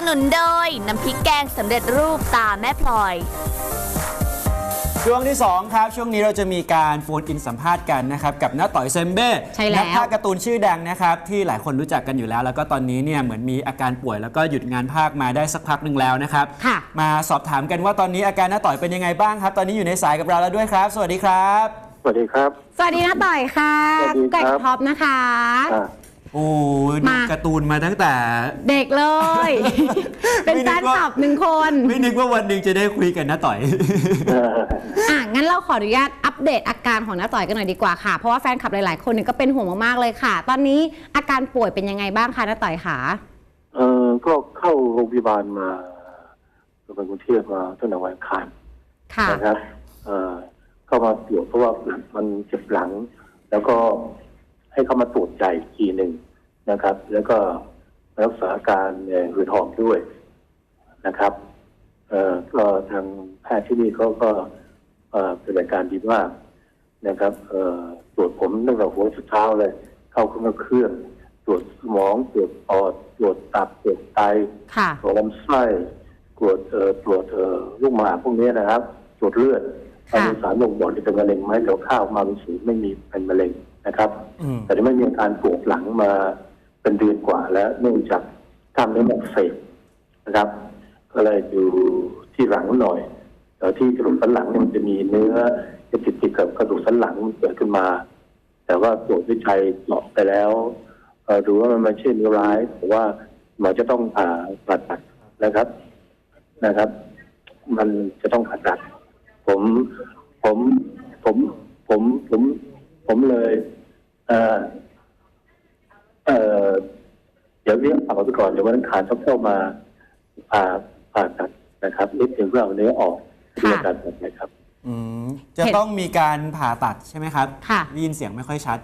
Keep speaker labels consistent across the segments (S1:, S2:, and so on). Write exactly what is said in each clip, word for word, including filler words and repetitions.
S1: นุนโดยน้ำพริกแกงสำเร็จรูปตาแม่พลอย
S2: ช่วงที่สองครับช่วงนี้เราจะมีการโฟนอินสัมภาษณ์กันนะครับกับน้าต่อยเซมเบ้นักพากย์การ์ตูนชื่อดังนะครับที่หลายคนรู้จักกันอยู่แล้วแล้วก็ตอนนี้เนี่ยเหมือนมีอาการป่วยแล้วก็หยุดงานพากย์มาได้สักพักหนึ่งแล้วนะครับมาสอบถามกันว่าตอนนี้อาการน้าต่อยเป็นยังไงบ้างครับตอนนี้อยู่ในสายกับเราแล้วด้วยครับสวัสดีครับ
S3: สวัสดีครับ
S4: สวัสดีน้าต่อยค่ะไก่ท็อปนะคะ
S2: โอ้ดูการ์ตูนมาตั้งแต่
S4: เด็กเลย เป็นแฟนคลับหนึ่งคน
S2: ไม่นึกว่าวันหนึ่งจะได้คุยกันน้าต่อย
S4: อ่ะงั้นเราขออนุญาตอัปเดตอาการของน้าต่อยกันหน่อยดีกว่าค่ะเพราะว่าแฟนคลับหลายๆคนก็เป็นห่วงมากๆเลยค่ะตอนนี้อาการป่วยเป็นยังไงบ้างคะน้าต่อยคะ
S3: เออก็เข้าโรงพยาบาลมาไปกรุงเทพมาตั้งแต่วันอังคารนะครับเออเข้ามาตรวจเพราะว่ามันเจ็บหลังแล้วก็ให้เข้ามาตรวจใจอีกทีหนึ่งนะครับแล้วก็รักษาการหืดหอบด้วยนะครับเอ่อก็ทางแพทย์ที่นี่เขาก็เอ่อเป็นรายการดีมากนะครับเอ่อตรวจผมตั้งแต่หัวจนเท้าเลยเข้าเครื่องเครื่องตรวจสมองตรวจปอดตรวจตับตรวจไตตรวจลำไส้ตรวจเอ่อตรวจเอ่อลูกหมากพวกนี้นะครับตรวจเลือดมีสารบ่งบอกที่เป็นมะเร็งไหมเดี๋ยวข้าวมาเป็นสูงไม่มีเป็นมะเร็งนะครับแต่ไม่มีอาการปวดหลังมาเป็นเดือนกว่าแล้วเนื่องจากกล้ามเนื้ออักเสบนะครับก็เลยอยู่ที่หลังหน่อยแต่ที่กระดูกสันหลังเนี่ยมันจะมีเนื้อจะติดติดกับกระดูกสันหลังมันเกิดขึ้นมาแต่ว่าตรวจวิจัยเจาะไปแล้วดูว่ามันไม่ใช่เนื้อร้ายแต่ว่าหมอจะต้องผ่าผ่าตัดนะครับนะครับมันจะต้องผ่าตัดผมผมผมผมผมผมเลยเอ่อเอ่อเดี๋ยวเรียกผ่าไปก่อนเดี๋ยววันอังคารต้องเข้ามาผ่าผ่าตัดนะครับนิดนึงเพื่อเอาเนื้อออกเพื่อการตัดนะครับ
S2: อืมจะต้องมีการผ่าตัดใช่ไหมครับ
S4: ค่ะ
S2: ได้ยินเสียงไม่ค่อยชัด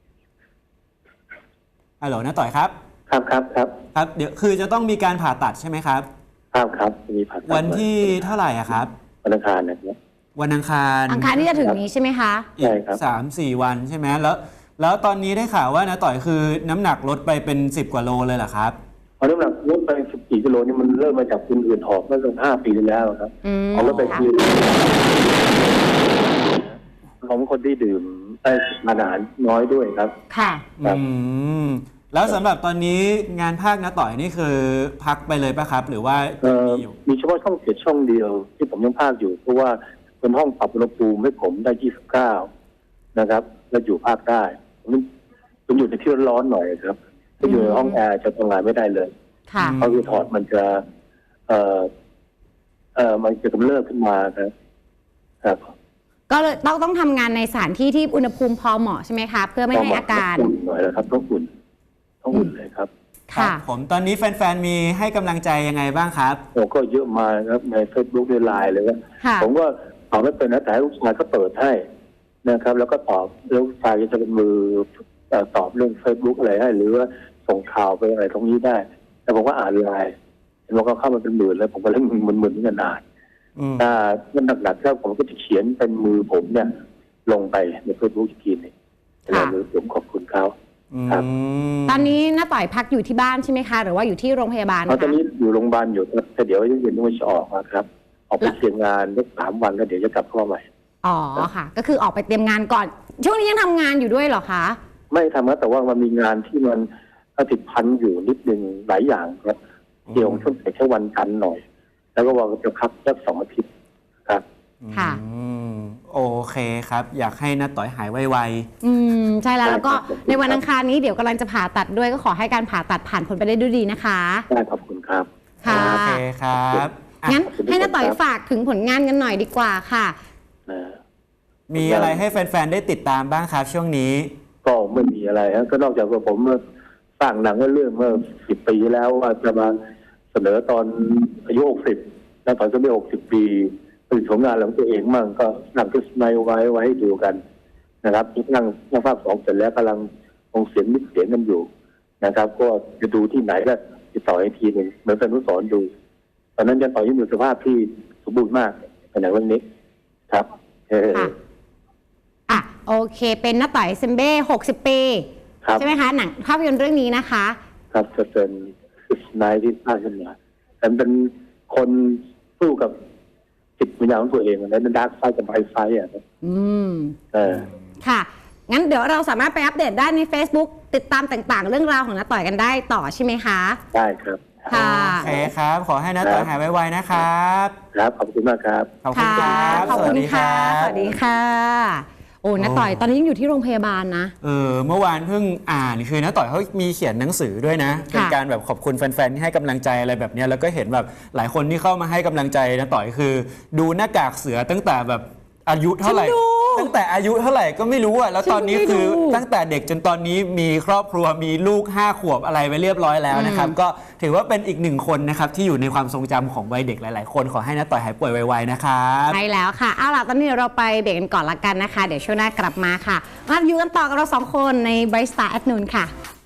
S2: ฮัลโหลน้าต่อยครับ
S3: ครับครับครับ
S2: ครับเดี๋ยวคือจะต้องมีการผ่าตัดใช่ไหมครับ
S3: ครับครับมีผ่าตัด
S2: วันที่เท่าไหร่อะครับ
S3: วันอังคารนะครับ
S2: วันอังคาร
S4: อังคารที่จะถึงนี้ใช่ไหมคะ
S2: ใช่ครับสามสี่วันใช่ไหมแล้วแล้วตอนนี้ได้ข่าวว่าน้าต่อยคือน้ำหนักลดไปเป็นสิบกว่าโลเลยเหรอครับ
S3: เอาน้ำหนักลดไปสิบกี่กิโลนี่มันเริ่มมาจากคุณอื่นหอบเมื่อสักห้าปีที่แล้วครับเอาลดไปคือของคนที่ดื่มได้อาหารน้อยด้วยครับ
S4: ค่ะ
S2: อืมแล้วสำหรับตอนนี้งานภาคน้าต่อยนี่คือพักไปเลยป่ะครับหรือว่า
S3: มีอยู่มีเฉพาะช่องเจ็ดช่องเดียวที่ผมยังภาคอยู่เพราะว่าเป็นห้องปรับอุณหภูมิให้ผมได้ยี่สิบเก้านะครับแล้วอยู่ภาคได้ผมอยู่ในที่ร้อนหน่อยครับถ้าอยู่ในห้องแอร์จะทำงานไม่ได้เลยเพราะคือถอดมันจะเอ่อเอ่อมันจะกำเริบขึ้นมาครับครับ
S4: ก็เลยต้องต้องทำงานในสถานที่ที่อุณหภูมิพอเหมาะใช่ไหมคะเพื่อไม่ให้อาการ
S3: อุ่นหน่อยนะครับต้องอุ่นต้องอุ่นเลยครับ
S2: ค่ะผมตอนนี้แฟนๆมีให้กำลังใจยังไงบ้างครับ
S3: โอ้ก็เยอะมาครับใน เฟซบุ๊ก ใน ไลน์เลยว่าผมก็ตอบไม่เป็นนะแต่ลูกชายก็เปิดให้นะครับแล้วก็ตอบแล้วลูกชายจะเป็นมือตอบเรื่อง เฟซบุ๊ก อะไรให้หรือว่าส่งข่าวไปอะไรตรงนี้ได้แต่ผมก็อ่านไลน์เห็นว่าเขาเข้ามาเป็นหมื่นแล้วผมก็เล่นมึนๆกันนานถ้ามันหนักๆแล้วผมก็จะเขียนเป็นมือผมเนี่ยลงไปใน เฟซบุ๊ก อีกทีนึงแล้วผมขอบคุณเขาครับ
S4: ตอนนี้น้าต่อยพักอยู่ที่บ้านใช่ไหมคะหรือว่าอยู่ที่โรงพยาบาลคะ
S3: ตอนนี้อยู่โรงพยาบาลอยู่แต่เดี๋ยวเย็นๆต้องจะออกนะครับออกไปเตรียมงานได้สามวันแล้วเดี๋ยวจะกลับเข้ามาใหม่
S4: อ๋อค่ะก็คือออกไปเตรียมงานก่อนช่วงนี้ยังทำงานอยู่ด้วยเหรอคะ
S3: ไม่ทำนะแต่ว่ามันมีงานที่มันติดพันอยู่นิดนึงหลายอย่างครับเกี่ยวกับช่วงแค่วันจันทร์หน่อยแล้วก็ว่าจะพักสักสองอาทิตย์ครับ
S4: ค่ะ
S2: โอเคครับอยากให้น้าต่อยหายไว
S4: ๆอืมใช่แล้วแล้วก็ในวันอังคารนี้เดี๋ยวกำลังจะผ่าตัดด้วยก็ขอให้การผ่าตัดผ่านผลไปได้ด้วยดีนะคะ
S3: ได้ขอบคุณครับ
S4: ค่ะ
S2: โอเคครับ
S4: งั้นให้น้าต่อยฝากถึงผลงานกันหน่อยดีกว่าค่ะ
S2: มีอะไรให้แฟนๆได้ติดตามบ้างครับช่วงนี้
S3: ก็ไม่มีอะไรครับก็นอกจากว่าผมสร้างหนังเรื่องเมื่อสิบปีแล้วว่าจะมาเสนอตอนอายุหกสิบแล้วตอนจะไม่หกสิบปีผลิตผลงานของตัวเองมั่งก็นำขึ้นในไว้ไว้ให้ดูกันนะครับนั่งนั่งภาคสองเสร็จแล้วกำลังคงเสียงนิดเสียงกันอยู่นะครับก็จะดูที่ไหนก็ติดต่ออีกทีหนึ่งเหมือนเป็นผู้สอนดูตอนนั้นจะต่อยังอยู่สภาพที่สมบูรณ์มากในหนังเรื่องนี้ครับ
S4: อ่ะโอเคเป็นน้าต่อยเซมเบ้หกสิบปีใช่ไหมคะหนังภาพยนตร์เรื่องนี้นะคะ
S3: ครับจะเป็นนายที่สร้างขึ้นมาแต่เป็นคนสู้กับจิตวิญญาณของตัวเองในดาร์กไซด์กับไบรท์ไซด์อ่ะ
S4: อืม
S3: เออ
S4: ค่ะงั้นเดี๋ยวเราสามารถไปอัปเดตได้ใน Facebook ติดตามต่างๆเรื่องราวของน้าต่อยกันได้ต่อใช่ไหมคะ
S3: ได้ครับ
S4: ค่ะ
S2: โอเคครับขอให้น้าต่อยหายไวๆนะครับ
S3: ครับขอบคุณมากครับ
S2: ขอบคุณครับ
S4: ขอบคุณค่ะสวัสดีค่ะโอ้น้าต่อยตอนนี้ยังอยู่ที่โรงพยาบาลนะ
S2: เออเมื่อวานเพิ่งอ่านคือน้าต่อยเขามีเขียนหนังสือด้วยนะเป็นการแบบขอบคุณแฟนๆที่ให้กำลังใจอะไรแบบนี้แล้วก็เห็นแบบหลายคนที่เข้ามาให้กำลังใจน้าต่อยคือดูหน้ากากเสือตั้งแต่แบบอายุเท่าไหร่ตั้งแต่อายุเท่าไหร่ก็ไม่รู้อ่ะแล้วตอนนี้คือตั้งแต่เด็กจนตอนนี้มีครอบครัวมีลูกห้าขวบอะไรไปเรียบร้อยแล้วนะครับก็ถือว่าเป็นอีกหนึ่งคนนะครับที่อยู่ในความทรงจำของวัยเด็กหลายๆคนขอให้น้าต่อยหายป่วยไวๆนะครับ
S4: ใช่แล้วค่ะเอาล่ะตอนนี้เราไปเบรกกันก่อนละกันนะคะเดี๋ยวช่วงหน้ากลับมาค่ะมาอยู่กันต่อกับเราสองคนใน Bright Star Afternoon ค่ะ